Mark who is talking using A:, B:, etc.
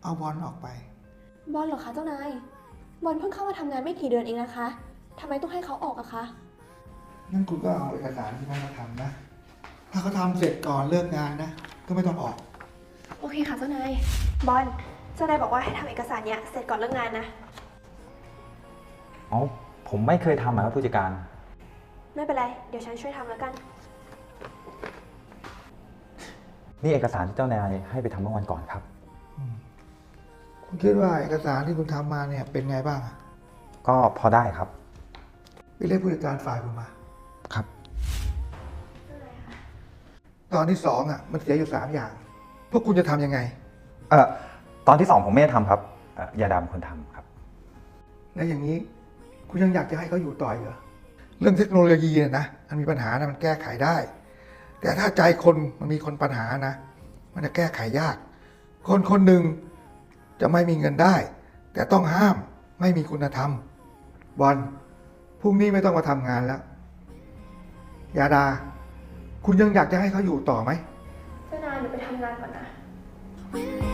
A: เอาบอลออกไป
B: บอลเหรอคะเจ้านายบอลเพิ่งเข้ามาทำงานไม่กี่เดือนเองนะคะทำไมต้องให้เขาออกอะคะ
A: งั้นคุณก็เอาเอกสารที่นั่นมาทำนะถ้าเขาทำเสร็จก่อนเลิกงานนะก็ไม่ต้องออก
B: โอเคค่ะเจ้านายบอลเจ้านายบอกว่าให้ทำเอกสารเนี้ยเสร็จก่อนเลิกงานนะ
C: อ๋อผมไม่เคยทำครับผู้จัดการ
B: ไม่เป็นไรเดี๋ยวฉันช่วยทำแล้วกัน
C: นี่เอกสารที่เจ้านายให้ไปทำเมื่อวันก่อนครับ
A: คุณคิดว่าเอกสารที่คุณทำมาเนี่ยเป็นไงบ้าง
C: ก็พอได้ครับ
A: ไปเรียกผู้จัดการฝ่ายคุณมา
C: ครับ
A: ตอนที่สองมันเสียอยู่3 อย่างพวกคุณจะทำยังไง
C: ตอนที่2ผมไม่ได้ทำครับยาดามคนทำครับ
A: และอย่างนี้คุณยังอยากจะให้เขาอยู่ต่อเหรอเรื่องเทคโนโลยีนะมันมีปัญหานะมันแก้ไขได้แต่ถ้าใจคนมันมีคนปัญหานะมันจะแก้ไขยากคนคนหนึ่งจะไม่มีเงินได้แต่ต้องห้ามไม่มีคุณธรรมบอลพรุ่งนี้ไม่ต้องมาทำงานแล้วยาดาคุณยังอยากจะให้เขาอยู่ต่อไหม
B: เจ้านายหนูไปทำงานก่อนนะ